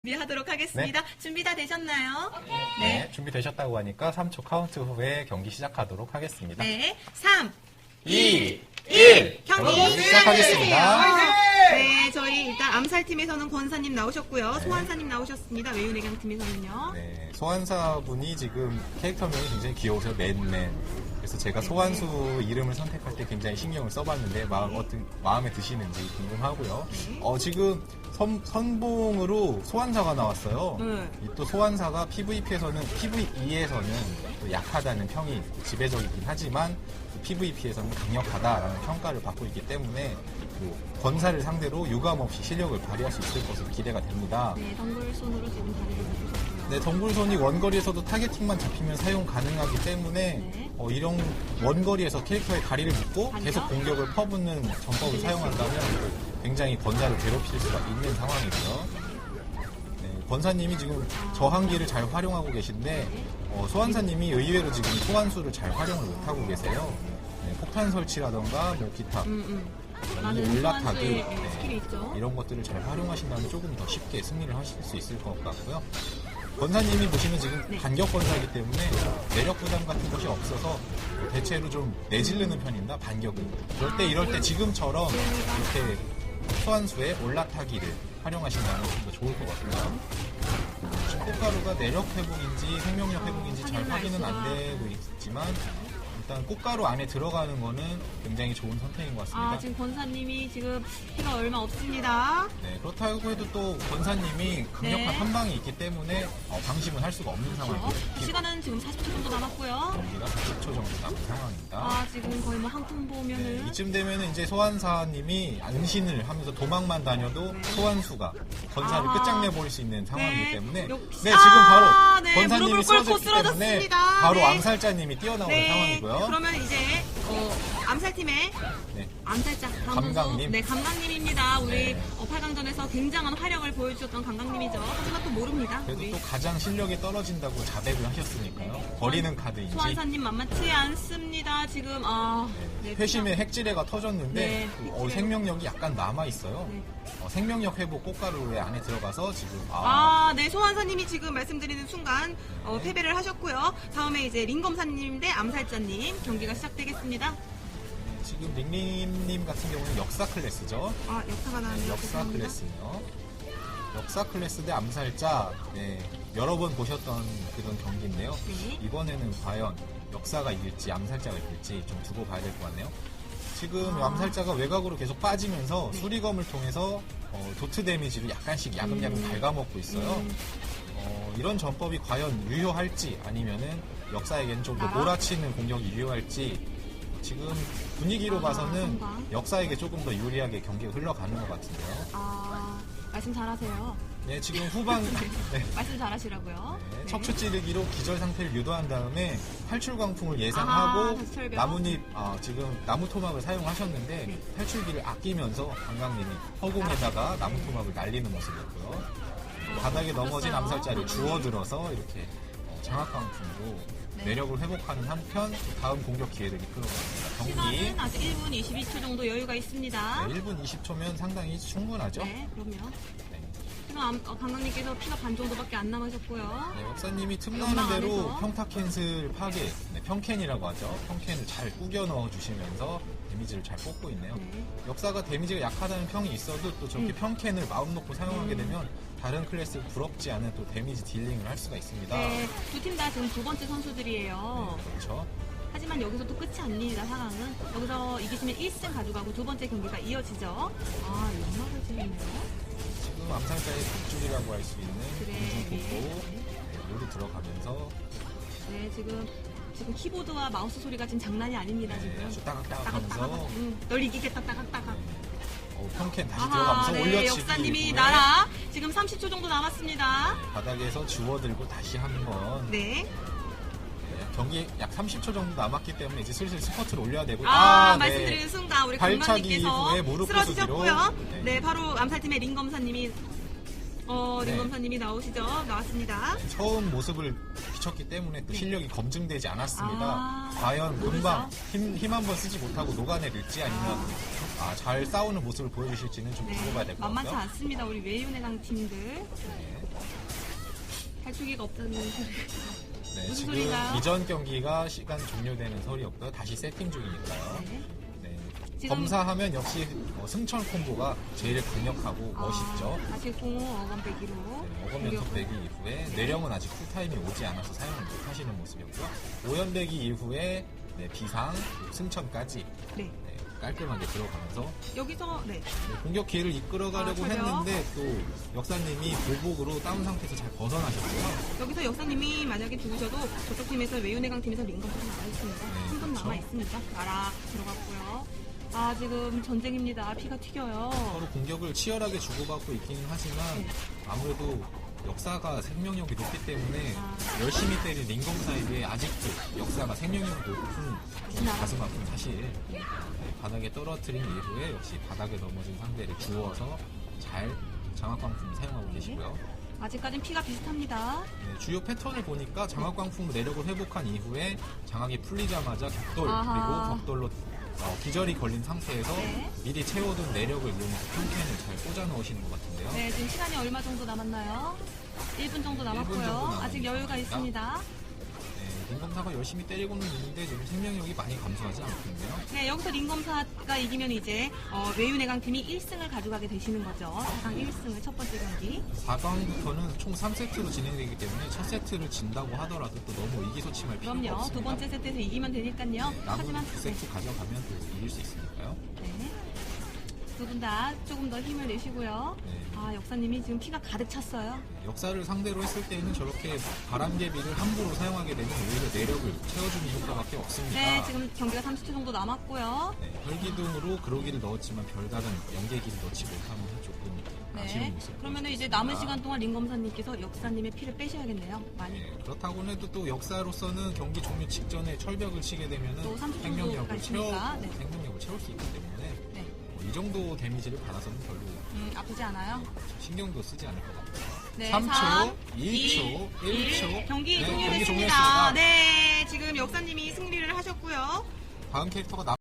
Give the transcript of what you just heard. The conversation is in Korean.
준비하도록 하겠습니다. 준비 다 되셨나요? 네, 준비되셨다고 하니까 3초 카운트 후에 경기 시작하도록 하겠습니다. 네, 3, 2, 1, 경기 시작하겠습니다. 네, 저희 일단 암살팀에서는 권사님 나오셨고요. 소환사님 나오셨습니다. 외유내강팀에서는요. 네, 소환사분이 지금 캐릭터명이 굉장히 귀여우세요. 맨맨. 그래서 제가 소환수 이름을 선택할 때 굉장히 신경을 써봤는데 마음에 드시는지 궁금하고요. 지금 선봉으로 소환사가 나왔어요. 이 또 소환사가 PVP에서는 또 약하다는 평이 지배적이긴 하지만 PVP에서는 강력하다라는 평가를 받고 있기 때문에 권사를 상대로 유감없이 실력을 발휘할 수 있을 것으로 기대가 됩니다. 네, 덩굴손으로 지금 다리를 잡으셨고요. 네, 덩굴손이 원거리에서도 타겟팅만 잡히면 사용 가능하기 때문에 이런 원거리에서 캐릭터의 다리를 묶고 계속 공격을 퍼붓는 전법을 사용한다면 굉장히 권사를 괴롭힐 수가 있는 상황이고요. 네, 권사님이 지금 저항기를 잘 활용하고 계신데 소환사님이 의외로 지금 소환수를 잘 활용을 못하고 계세요. 네, 폭탄 설치라던가 기타 올라타기 스킬이 있죠. 이런 것들을 잘 활용하신다면 조금 더 쉽게 승리를 하실 수 있을 것 같고요. 권사님이 보시면 지금 반격 권사이기 때문에 내력 부담 같은 것이 없어서 대체로 좀 내질르는 편입니다. 반격을. 이럴 때 지금처럼 이렇게 소환수의 올라타기를 활용하신다면 좀 더 좋을 것 같고요. 꽃가루가 내력 회복인지 생명력 회복인지 잘 확인은 안 되고 있지만 일단 꽃가루 안에 들어가는 거는 굉장히 좋은 선택인 것 같습니다. 지금 권사님이 지금 피가 얼마 없습니다. 네, 그렇다고 해도 또 권사님이 강력한 한방이 있기 때문에 방심은 할 수가 없는 상황이고요. 시간은 지금 40초 정도 남았고요. 경기가 40초 정도 남은 상황입니다. 지금 거의 한 푼 보면은 이쯤 되면은 이제 소환사님이 안신을 하면서 도망만 다녀도 소환수가 권사를 끝장내 버릴 수 있는 상황이기 때문에 지금 바로 권사님이 쓰러졌기 때문에 바로 암살자님이 뛰어나오는 상황이고요. 그러면 이제 암살팀의 암살자 감강님. 네, 감강님입니다. 우리 8강전에서 굉장한 활약을 보여주셨던 감강님이죠. 하지만 또 모릅니다. 그래도 또 가장 실력이 떨어진다고 자백을 하셨으니까요. 버리는 카드인지. 소환사님 만만치 않습니다. 지금 회심의 핵지뢰가 터졌는데 생명력이 약간 남아 있어요. 생명력 회복 꽃가루에 안에 들어가서 지금 네, 소환사님이 지금 말씀드리는 순간 패배를 하셨고요. 다음에 이제 링검사님 대 암살자님 경기가 시작되겠습니다. 지금 링링님 같은 경우는 역사 클래스죠. 역사가 나왔네요. 역사 클래스요. 역사 클래스 대 암살자. 여러 번 보셨던 그런 경기인데요. 이번에는 과연 역사가 이길지 암살자가 이길지 좀 두고 봐야 될 것 같네요. 지금 암살자가 외곽으로 계속 빠지면서 수리검을 통해서 도트 데미지를 약간씩 야금야금 갉아먹고 있어요. 이런 전법이 과연 유효할지 아니면은 역사에게는 좀 더 몰아치는 공격이 유효할지 지금 분위기로 봐서는 역사에게 조금 더 유리하게 경기가 흘러가는 것 같은데요. 말씀 잘하세요. 네, 지금 후반 말씀 잘하시라고요. 척추 찌르기로 기절 상태를 유도한 다음에 탈출 광풍을 예상하고 나뭇잎 지금 나무 토막을 사용하셨는데 탈출기를 아끼면서 강강님이 허공에다가 나무 토막을 날리는 모습이었고요. 바닥에 넘어진 암살자를 주워들어서 이렇게 장악 광풍으로 내력을 회복하는 한편 다음 공격 기회를 이끌어갑니다. 경기 시간은 아직 1분 22초 정도 여유가 있습니다. 1분 20초면 상당히 충분하죠. 네, 그럼요. 지금 강강님께서 피가 반 정도밖에 안 남으셨고요. 역사님이 틈나는 대로 평타 캔슬 파괴, 평캔이라고 하죠. 평캔을 잘 꾸겨 넣어 주시면서 데미지를 잘 뽑고 있네요. 역사가 데미지가 약하다는 평이 있어도 또 저렇게 평캔을 마음 놓고 사용하게 되면 다른 클래스 부럽지 않은 또 데미지 딜링을 할 수가 있습니다. 네, 두 팀 다 지금 두 번째 선수들이에요. 그렇죠. 하지만 여기서 또 끝이 아닙니다, 상황은. 여기서 이기시면 1승 가져가고 두 번째 경기가 이어지죠. 연막을 치겠네요. 지금 암살자의 뒷줄이라고 할 수 있는 공중폭포 롤이 들어가면서 지금 키보드와 마우스 소리가 지금 장난이 아닙니다. 지금 아주 따각따각하면서 널 이기겠다 따각따각. 평캔 다시 들어가면서 올려치기 역사님이 날아 지금 30초 정도 남았습니다. 바닥에서 주워들고 다시 한번 경기 약 30초 정도 남았기 때문에 이제 슬슬 스퍼트를 올려야 되고 말씀드리는 순간 우리 발차기 이후에 감독님께서 무릎 쓰러지셨고요. 바로 암살팀의 링검사님이 링검사님이 나왔습니다. 처음 모습을 비췄기 때문에 또 실력이 검증되지 않았습니다. 과연 금방 힘 한 번 쓰지 못하고 녹아내릴지 아니면 잘 싸우는 모습을 보여주실지는 좀 두고 봐야 될 것 같고요. 만만치 않습니다. 우리 외유내강 팀들. 갈추기가 없다는 소리. 네, 무슨 지금 소리인가요? 이전 경기가 시간 종료되는 설이었고요. 다시 세팅 중이니까요. 네. 네. 지금- 검사하면 역시 승천 콤보가 제일 강력하고 멋있죠. 다시 공호 어건 빼기로. 어검 연속 배기 이후에 내령은 아직 쿨타임이 오지 않아서 사용을 못 하시는 모습이었고요. 오연 배기 이후에 네, 비상, 그리고 승천까지 네. 네, 깔끔하게 들어가면서 여기서, 네. 네, 공격 기회를 이끌어가려고 저요? 했는데 또 역사님이 보복으로 다운 상태에서 잘 벗어나셨고요. 여기서 역사님이 만약에 죽으셔도 저쪽 팀에서 외유내강 팀에서 링검까지 나와 있습니다. 네, 한 분 그렇죠. 남아 있습니다. 나라 들어갔고요. 아, 지금 전쟁입니다. 피가 튀겨요. 서로 공격을 치열하게 주고받고 있기는 하지만 네. 아무래도 역사가 생명력이 높기 때문에 아. 열심히 때린 링검 사이드에 아직도 역사가 생명력이 높은 가슴 아픈 사실. 네, 바닥에 떨어뜨린 이후에 역시 바닥에 넘어진 상대를 주워서 잘 장학광풍 사용하고 계시고요. 아직까진 피가 비슷합니다. 네, 주요 패턴을 보니까 장학광풍 내력을 회복한 이후에 장학이 풀리자마자 격돌 아하. 그리고 격돌로 기절이 걸린 상태에서 네. 미리 채워둔 내력을 이용해서 평캔을 잘 꽂아 넣으시는 것 같은데요. 네, 지금 시간이 얼마 정도 남았나요? 1분 정도 남았고요. 1분 정도 아직 여유가 있습니다. 네, 링검사가 열심히 때리고는 있는데 지금 생명력이 많이 감소하지 않거든요. 네, 여기서 링검사가 이기면 이제 외유내강 팀이 1승을 가져가게 되시는 거죠. 상 1승을 첫 번째 경기. 4강부터는 총 3세트로 진행되기 때문에 첫 세트를 진다고 하더라도 또 너무 의기소침할 필요가 그럼요. 없습니다. 두 번째 세트에서 이기면 되니까요. 네, 남은 하지만 두 세트 가져가면 또 이길 수 있으니까요. 네. 두 분 다 조금 더 힘을 내시고요. 네. 아, 역사님이 지금 피가 가득 찼어요. 역사를 상대로 했을 때는 저렇게 바람개비를 함부로 사용하게 되면 오히려 내력을 채워주는 효과밖에 없습니다. 네, 지금 경기가 30초 정도 남았고요. 네, 혈기둥으로 그로기를 넣었지만 별다른 연계기를 넣지 못하면서 조금 아쉬운 네. 모습. 그러면 이제 남은 시간 동안 링검사님께서 역사님의 피를 빼셔야겠네요. 많이. 네, 그렇다고 해도 또 역사로서는 경기 종료 직전에 철벽을 치게 되면 또 30초 생명력을 정도가 채워 있으니까, 네. 생명력을 채울 수 있기 때문에 네. 이 정도 데미지를 받아서는 별로 아프지 않아요? 신경도 쓰지 않을 것 같아요. 네, 3초, 3, 2초, 1초. 경기 네, 종료됐습니다. 종료했습니다. 네, 지금 역사님이 승리를 하셨고요. 다음 캐릭터가